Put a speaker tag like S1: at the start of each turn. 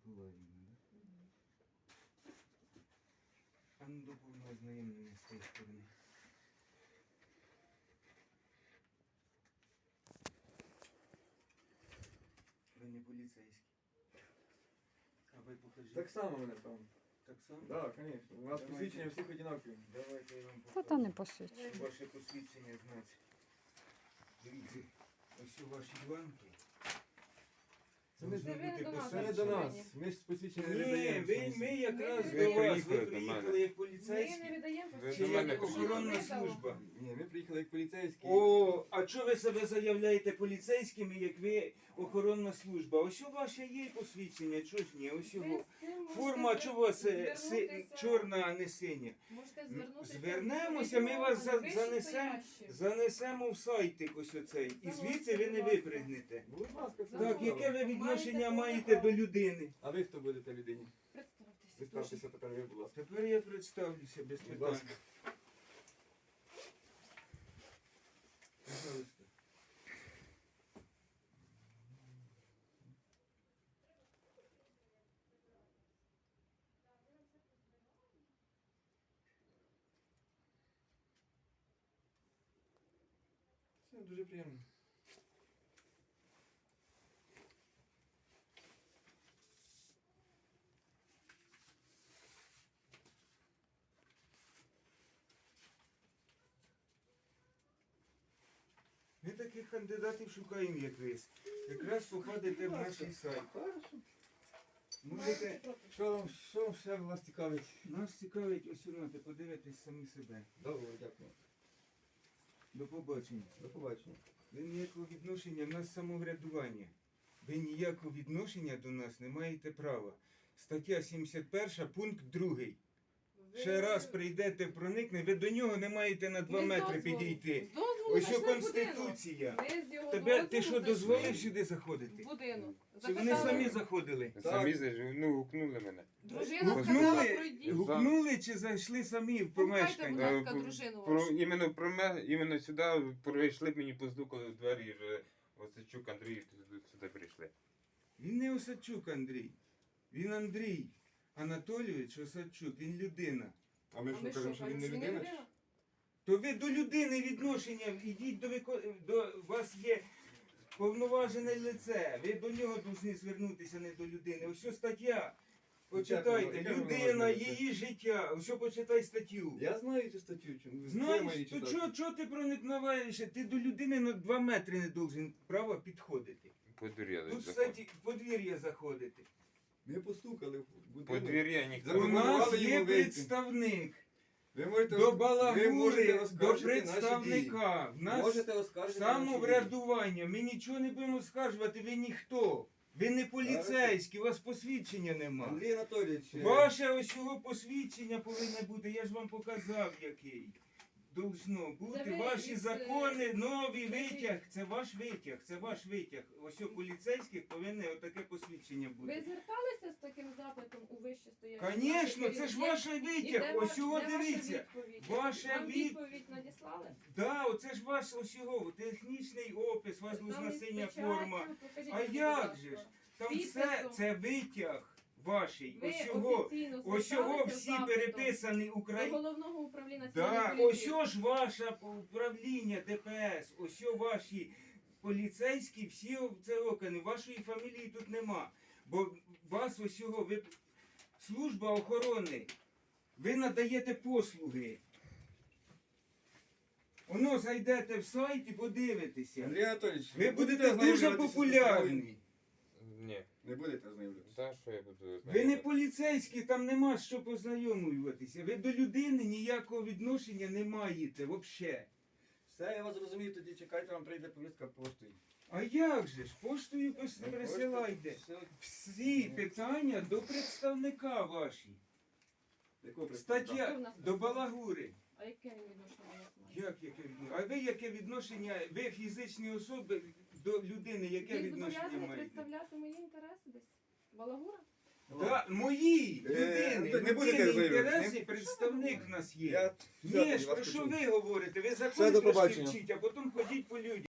S1: Миколаївна, да? А ну до повного знайомлення з тієї сторони. Ви не поліцейські. А ви покажіть.
S2: Так само мене там.
S1: Так само?
S2: Так, звісно. У нас
S1: Давайте.
S2: посвідчення всіх одинакові.
S1: Давайте я вам
S3: Та
S1: покажу.
S3: то не посвідчує.
S1: Ваше посвідчення, значить. Дивіться, ось у ваші бланки.
S2: Це не,
S1: Должно
S4: ви
S1: бути
S4: до нас
S2: це не до
S1: посвідчення.
S2: нас. Ми ж посвідчення не
S1: Ні,
S2: видаємо.
S1: ми якраз
S4: Ви
S1: до вас.
S5: приїхали
S1: Ви
S5: до
S1: приїхали
S5: мене.
S1: як
S4: Ми не
S1: поліцейські.
S4: віддаємо
S5: Ви
S1: Чи
S5: до мене
S1: як
S5: приїхали.
S1: охоронна служба?
S2: Ні, ми приїхали як поліцейські.
S1: О, а чого ви себе заявляєте поліцейськими, як ви охоронна служба? Ось у ваше є посвідчення, чого ж ні? Ось його. Форма чого у вас чорна, а не синя?
S4: Можете звернутися.
S1: Звернемося, ми вас занесемо в сайтик ось оцей. І звідси ви не випригнете.
S2: Будь ласка, це
S1: Так,
S2: добре.
S1: яке ви відношення
S4: Маєте
S1: маєте до людини?
S2: А ви хто будете людині?
S4: Представтеся.
S2: Представтеся тепер ви, будь ласка.
S1: Тепер я представлюся без
S2: Будь
S1: питань.
S2: ласка.
S1: Пожалуйста.
S2: Це дуже приємно.
S1: Ми таких кандидатів шукаємо, як ви. Якраз походите в наш сайт.
S2: Хорошо.
S1: Можете...
S2: Що вам ще вас цікавить?
S1: Нас цікавить ось воно, ти подивитесь самі себе.
S2: Добре, дякую.
S1: До побачення.
S2: До побачення.
S1: Ви ніякого відношення, в нас самоврядування. Ви ніякого відношення до нас не маєте права. Стаття 71, пункт 2. Ще раз прийдете, проникне, ви до нього не маєте на 2 метри підійти. Ось що Конституція. Ти що, дозволив сюди заходити?
S4: В будинок.
S1: Чи вони самі заходили?
S5: Самі зайшли, ну, гукнули мене.
S4: Дружина сказала,
S1: Гукнули,
S4: пройдіть.
S1: гукнули чи зайшли самі в
S4: Пускайте, будь
S1: помешкання?
S4: ласка, дружину вашу.
S5: Іменно сюди прийшли, мені постукали в двері, і вже Осадчук Андрій сюди прийшли.
S1: Він не Осадчук Андрій. Він Андрій Анатолійович Осадчук, він людина.
S2: А ми що кажемо, що він не людина?
S1: То ви до людини відношення, ідіть до вас є повноважене лице. Ви до нього повинні звернутися, не до людини. Ось що стаття. Почитайте.
S2: Яке
S1: Людина,
S2: повноважене лице?
S1: її життя. Ось що почитай статтю.
S2: Я знаю цю статтю. Чому?
S1: Знаєш, то чого ти проникноваєш? Ти до людини на 2 метри не должен право підходити.
S5: Подуряли.
S1: Тут, кстати, в подвір'я заходити.
S2: Ми постукали в будинок.
S5: Подвір'я ніхто
S1: У
S5: не
S2: Запропонували
S1: нас є
S2: йому вийти.
S1: представник.
S2: Ви можете,
S1: До
S2: ви
S1: балагури,
S2: можете
S1: до
S2: оскаржити наші дії.
S1: представника. В нас
S2: Можете оскаржити наші дії.
S1: самоврядування. Ми нічого не будемо скаржувати, ви ніхто. Ви не поліцейські, у вас посвідчення нема.
S2: Андрій Анатолійович,
S1: Ваше ось його посвідчення повинне бути, я ж вам показав який. Должно бути.
S4: Це ви
S1: Ваші
S4: із,
S1: закони, новий
S4: скажіть.
S1: витяг. Це ваш витяг, це ваш витяг. Ось у поліцейських повинне отаке посвідчення
S4: Ви
S1: бути.
S4: зверталися з таким запитом у вище стоячі?
S1: Звісно, це ж ваш витяг. Ось його дивіться. Ваша
S4: Вам
S1: від-
S4: відповідь надіслали?
S1: Да, оце ж ваш ось його технічний опис, у вас
S4: Там
S1: должна
S4: із
S1: синя
S4: печаттю,
S1: форма.
S4: покажіть
S1: А
S4: мені, будь
S1: як
S4: ласка.
S1: же ж? Там
S4: Підписом.
S1: все це витяг ваший.
S4: Ви
S1: Ось його.
S4: офіційно
S1: Ось його
S4: зверталися
S1: всі
S4: з запитом
S1: переписані
S4: до
S1: Україні.
S4: головного управління
S1: Да,
S4: національної
S1: ось
S4: поліції.
S1: ж ваше управління ДПС, ось ваші поліцейські, всі це окани, вашої фамілії тут нема. Бо вас ось його, ви служба охорони, ви надаєте послуги. Воно зайдете в сайт і подивитеся.
S2: Андрій Анатолійович,
S1: Ви будете дуже
S2: ознайомлюватися з
S1: популярні.
S5: Ні.
S2: Не будете ознайомлюватися.
S5: Та що я буду
S1: Ви не
S5: знати?
S1: поліцейські, там нема що познайомлюватися. Ви до людини ніякого відношення не маєте взагалі.
S2: Все, я вас зрозумів, тоді чекайте, вам прийде повістка поштою.
S1: А як же ж? Поштою присилайте. Всі питання до представника ваші.
S2: Якого представника?
S4: Хто в
S1: Стаття
S4: нас
S1: до
S4: представник?
S1: балагури.
S4: А яке він відношення у вас має?
S1: Як яке відношення? А ви яке відношення? Ви фізичні особи до людини, яке
S4: Він
S1: відношення
S4: зобов'язаний
S1: маєте?
S4: представляти мої інтереси десь? Балагура?
S1: Да, мої людини,
S2: не будете
S1: людини
S2: знайомитися?
S1: інтереси, представник в нас є.
S2: Я
S1: Ні,
S2: вас
S1: про що
S2: почув.
S1: ви говорите? Ви
S2: Все,
S1: закони
S2: до
S1: трошки
S2: побачення.
S1: вчіть, а потім ходіть по людям.